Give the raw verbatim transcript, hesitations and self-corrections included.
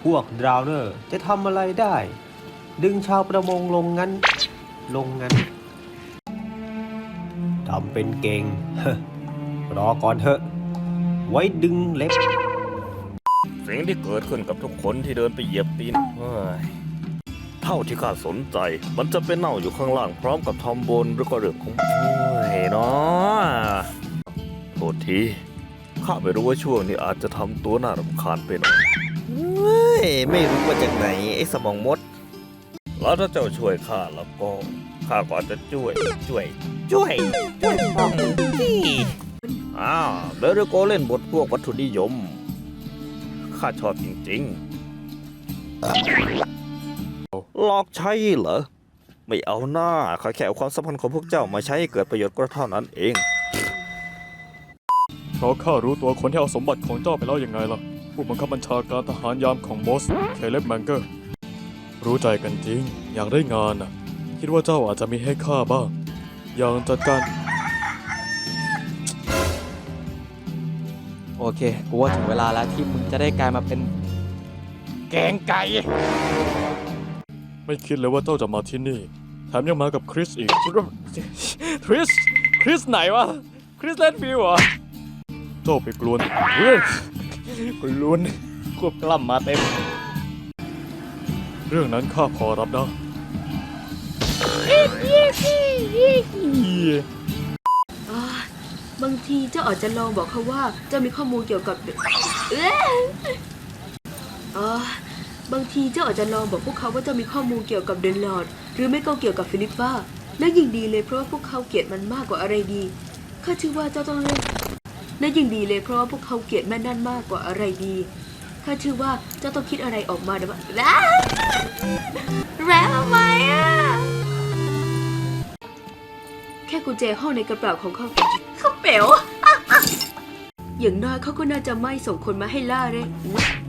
วกดราวเนอร์จะทำอะไรได้ ดึงชาวประมงลงงั้น ลงงั้นทำเป็นเก่ง รอก่อนเถอะ ไว้ดึงเล็บสิ่งที่เกิดขึ้นกับทุกคนที่เดินไปเหยียบตีนเฮ้ยเท่าที่ข้าสนใจ มันจะเป็นเน่าอยู่ข้างล่างพร้อมกับทอมบนหรือก็เรื่องของโอ้ยเนาะโทษทีข้าไม่รู้ว่าช่วงนี้อาจจะทำตัวน่ารำคาญไปหน่อยเฮ้ยไม่รู้ว่าจากไหนไอ้สมองมดแล้วถ้าเจ้าช่วยข้าแล้วก็ข้าก็อาจจะช่วยช่วยช่วยช่วยป้องที่อ้าวเดรโกเล่นบทพวกวัตถุนิยมข้าชอบจริงๆหลอกใช้เหรอไม่เอาหน้าข้าแค่เอาความสัมพันธ์ของพวกเจ้ามาใช้ให้เกิดประโยชน์ก็เท่านั้นเองเพราะข้ารู้ตัวคนที่เอาสมบัติของเจ้าไปแล้วยังไงล่ะผู้บังคับบัญชาการทหารยามของมอสเคเลบแมงเกอร์รู้ใจกันจริงอยากได้งานน่ะคิดว่าเจ้าอาจจะมีให้ข้าบ้างอย่างจัดการโอเคกูว่าถึงเวลาแล้วที่มึงจะได้กลายมาเป็นแกงไก่ไม่คิดเลยว่าเจ้าจะมาที่นี่แถมยังมากับคริสอีกคริสคริสไหนวะคริสเลนฟิลด์เหรอเจ้าไปกลวนเฮ้ยกลวนควบกล้ำมาเต็มเรื่องนั้นข้าพอรับได้บางทีเจ้าอาจจะลองบอกเขาว่าเจ้ามีข้อมูลเกี่ยวกับเอ๊ะอ๋อบางทีเจ้าอาจจะลองบอกพวกเขาว่าเจ้ามีข้อมูลเกี่ยวกับเดนลอร์ดหรือไม่ก็เกี่ยวกับฟิลิปป้าและยิ่งดีเลยเพราะว่าพวกเขาเกลียดมันมากกว่าอะไรดีข้าเชื่อว่าเจ้าต้องเลือกและยิ่งดีเลยเพราะว่าพวกเขาเกลียดแม่นั่นมากกว่าอะไรดีข้าเชื่อว่าเจ้าต้องคิดอะไรออกมาเดี๋ยวแล้วแล้วทำไมอ่ะแค่กุญแจห้องในกระเป๋าของเขาเขาเป๋วอย่างน้อยเขาก็น่าจะไม่ส่งคนมาให้ล่าเลย